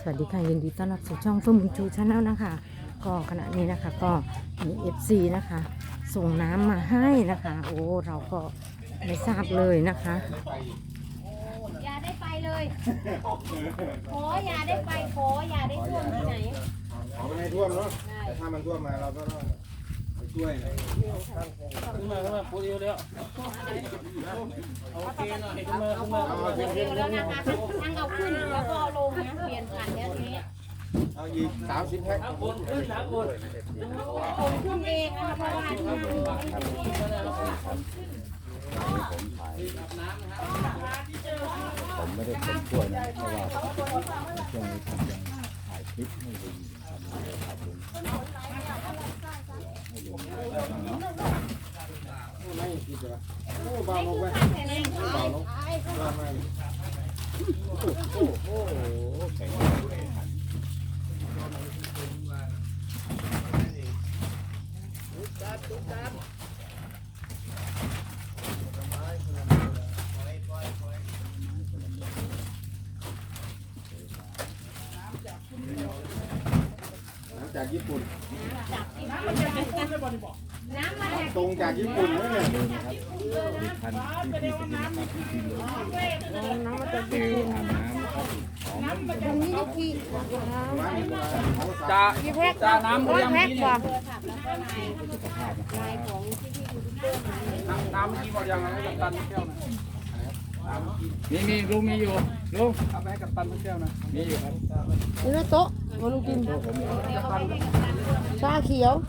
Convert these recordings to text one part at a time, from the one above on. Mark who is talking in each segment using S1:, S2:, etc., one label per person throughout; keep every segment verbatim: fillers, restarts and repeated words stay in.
S1: วัสดีค่ะยินดีต้อนรับสู่ช่องเฟิร์มบุญชูชาแนลนะคะก็ขณะนี้นะคะก็มีเอฟซีนะคะส่งน้ำมาให้นะคะโอ้เราก็ไม่ทราบเลยนะคะ
S2: อย่าได้ไปเลยขออย่าได้ไปขออย่าได้ท่วมที่ไหน
S3: ขอไม่ให้ท่วมเนาะแต่ถ้ามันท่วมมาเราก็ต้องไปช่วยนะ
S4: ขึ้นมาขึ้นมาพูดเดียวเดียวโอเคหน่อยขึ้นมาขึ้นมา
S3: เอา
S2: เดี๋ยวแล้วนะคะทั้งเอาขึ้นแล้วก็เอาลงนะเปลี่ยนผ่านแล้วทีนี้
S3: เอาอีกสามสิบแพ็ค
S4: น้ำอุ่นขึ้นน้ำอุ่น
S2: ผมขึ้นเองนะคะเพราะว่าที่นั่ง
S5: ผมไม่ได้เป็นช่วยนะเพราะว่าช่วงนี้ผมยังถ่ายคลิปให้ลุงทำให้ครับลุงให้ลุงเนาะ
S3: ไม่คิดเหรอโอ้บาลงไป
S2: แข็งแรง
S3: เบาลงบามา
S5: โอ้โหแข็งแรงเลยหัน
S3: น้ำจากญี่ปุ่น
S2: น้ำมาจาก
S3: ตรงจากญี่ปุ่นนั่นแหละ
S5: เดินนะครับมีพันที่พี่เป็นนะครับที่พี่เลยน้ำมันจะดีอาบน้ำนะครับหอมมันจะดีนะครับ
S4: จ่าจ่าน้ำเรียมที่นี่
S5: สุขภาพนะครับ
S4: น้ำเมื่อกี้บอกยังไงให้กับตันแก้วนะน้ำเมื่อกี้
S5: มีมีลุงมีอยู่ลุง
S4: เอาไปให้กับตันแก้วนะ
S5: มีอยู่ครับ
S1: นี่นะโต๊ะมาลุงกิน
S5: โอ้ผมมี
S1: ชาเขียว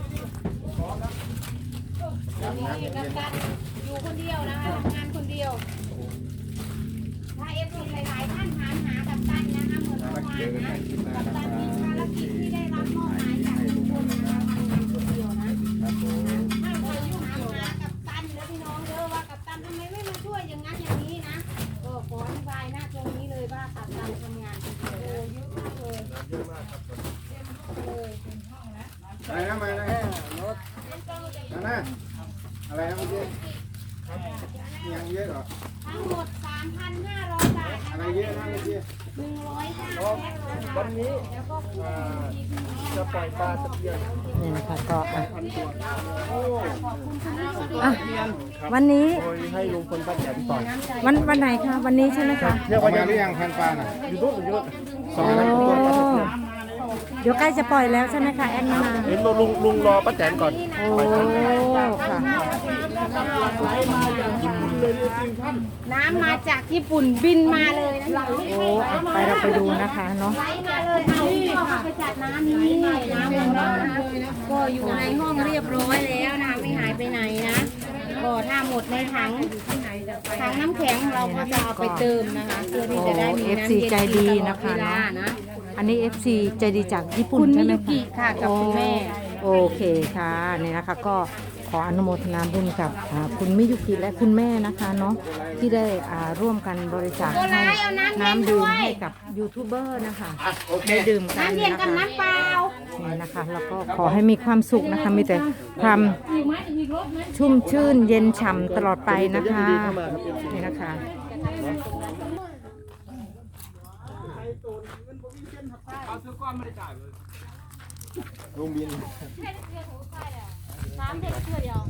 S2: นี่กับตันอยู่คนเดียวนะคะทำงานคนเดียวถ้าเอฟซีหลายๆท่านถามหากับตันนะคะเหมือนเมื่อวาน
S5: เจอกัน
S2: นะ
S5: ใหม่คลิปหน้า
S2: กับ
S5: นะค
S2: ตั
S5: รั
S2: น
S5: บ
S2: มีภารกิจที่ได้รับมอบหมายจากทุกคนนะคะทำงานคนเดียวนะ
S5: ครับผม
S2: ถ้าใครยุ่งหาหากับตันแล้วพี่น้องเด้อว่ากับตันทำไมไม่มาช่วยอย่างนั้นอย่างนี้นะก็ขออธิบายหน้าตรงนี้เลยว่ากับตันทำงานคนเดียวเยอะมากเลยเยอะมากครับเลย
S3: อะไรนะมานะนั่นนะอะไรนะเมื่อกี้ยังเยอะเหรอ
S2: ทั้งหมด สามพันห้าร้อย บาท
S3: อะ
S2: นะ
S3: ไร
S2: คะ
S3: เยอะนะเมื่อกี้
S2: หนึ่งร้อยห้าแพ็คนะคะวันนี้แล้วก็คุณ
S4: จะปล่อยปลาตะเพียน
S1: นี่นะคะก็อ่ะ
S4: โอ้
S1: อ่ะวันนี้
S4: โดยให้ลุงพลป้าแตนต่อย
S1: วันวันไหนคะวันนี้ใช่ไหมคะ
S3: เรียกว่ายังหรือยังพันปลาน่ะ
S4: อยู่ตู้เยอะ
S1: โอ้เดี๋ยวใกล้จะปล่อยแล้วใช่ไหมคะแอดมิน
S4: เห็นลุงลุงรอป้าแตนก่อน
S1: โอ้ค่ะ
S2: น้ำมาจากญี่ปุ่นบินมาเลยนะคะ
S1: โอ้อ่ะไปเราไปดูนะคะเนาะ
S2: ไหลมาเลยเอาที่เอาไปจัดน้ำนี้น้ำของเรานะคะก็อยู่ในห้องเรียบร้อยแล้วนะคะไม่หายไปไหนนะก็ถ้าหมดในถังถังน้ำแข็งเราก็จะเอาไปเติมนะคะเพื่อที่จะได้มี
S1: เอฟ
S2: น้ำ
S1: ซี
S2: เย็น
S1: ใจ
S2: กิน
S1: ดี
S2: ตลอ
S1: นะ
S2: ดเว
S1: คะ
S2: ลา
S1: เนาะ
S2: นะ
S1: อันนี้ เอฟ ซี ใจดีจากญี่ปุ่น
S2: คุณ
S1: ใช่
S2: มิ
S1: ไหม
S2: ยุกิ
S1: คะ
S2: ค่ะกับคุณแม่
S1: โอเคค่ะนี่นะคะก็ขออนุโมทนาบุญกับอ่าคุณมิยุกิและคุณแม่นะคะเนาะที่ได้อ่าร่วมกันบริจาคให้น้ำดื่มให้กับยูทูบเบอร์นะคะได้ดื่มกัน
S2: น้ำเย็น
S1: นะ
S2: กับ
S1: คะ
S2: น้ำเปล่า
S1: นี่นะคะแล้วก็ขอให้มีความสุขนะคะมีแต่ความชุ่มชื่นเย็นฉ่ำตลอดไปนะคะนี่นะคะ
S4: เอาซื้อก้อนไม่ได้จ่ายเลย
S3: ลุงบิน
S2: น้ำเด็กเพื่อเดียว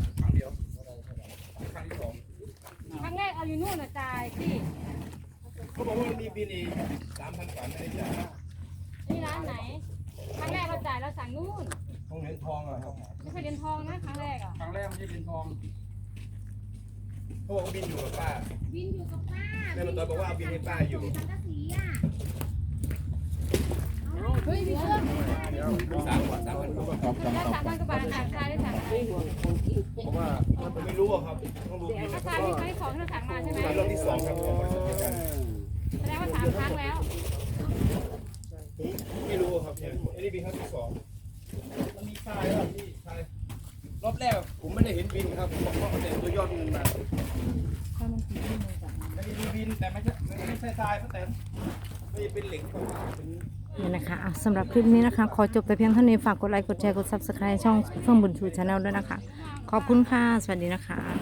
S2: ครั้งแรกเอาอยู่นู่นนะจ่ายที่
S3: เขาบอกว่ามันมีบินอีกสามพันกว่าไม่ได้จ่าย
S2: นี่ร้านไหน ครั้งแรกเราจ่ายเราสั่งนู่น
S3: ของเหรียญทองเหรอครับ
S2: ไม่เคยเรียนทองนะครั้งแรกอ่ะ
S4: ครั้งแรกไม่ใช่เป็นทอง
S3: เขาบอกว่าบินอยู่กับป้า
S2: บินอยู่กับป้า
S3: แม่มันตอนบอกว่าเอาบินให้ป้าอยู่
S2: สังกะสีอ่ะเฮ้ยมีเครื่อง
S3: สามกว่าสามพันกว่า
S5: ขอบคุณ
S2: ได้
S5: ขอบ
S2: สามพันกว่าบาทจ่ายชายได้สั่งไหน
S3: เพราะว่าผมไม่รู้อะครับต้องดูบิน
S2: ถ้าชายมีครั้งที่สองที่เราสั่งมาใช่ไหม
S3: รอบที่สองครับของบริษัทเดียวกัน
S2: แสดงว่าสามครั้งแล้ว
S3: ไม่รู้อะครับเนี่ยอันนี้บินครั้งที่สองมันมีป้ายครับพี่ป้ายรอบแรกผมไม่ได้เห็นบินครับผมบอกว่าเขาแต่ตัวยอดบินมาไม่ได้มีบินแต่ไม่ใช่ไม่ใช่ทรายเขาแต่ไม่เป็นเหล็กเป็น
S1: นี่นะคะอ่ะสำหรับคลิปนี้นะคะ ขอจบแต่เพียงเท่านี้ฝากกดไลค์กดแชร์กด ซับสไครบ์ ช่องเฟื่องบุญชูชาแนลด้วยนะคะ ขอบคุณค่ะ สวัสดีนะคะ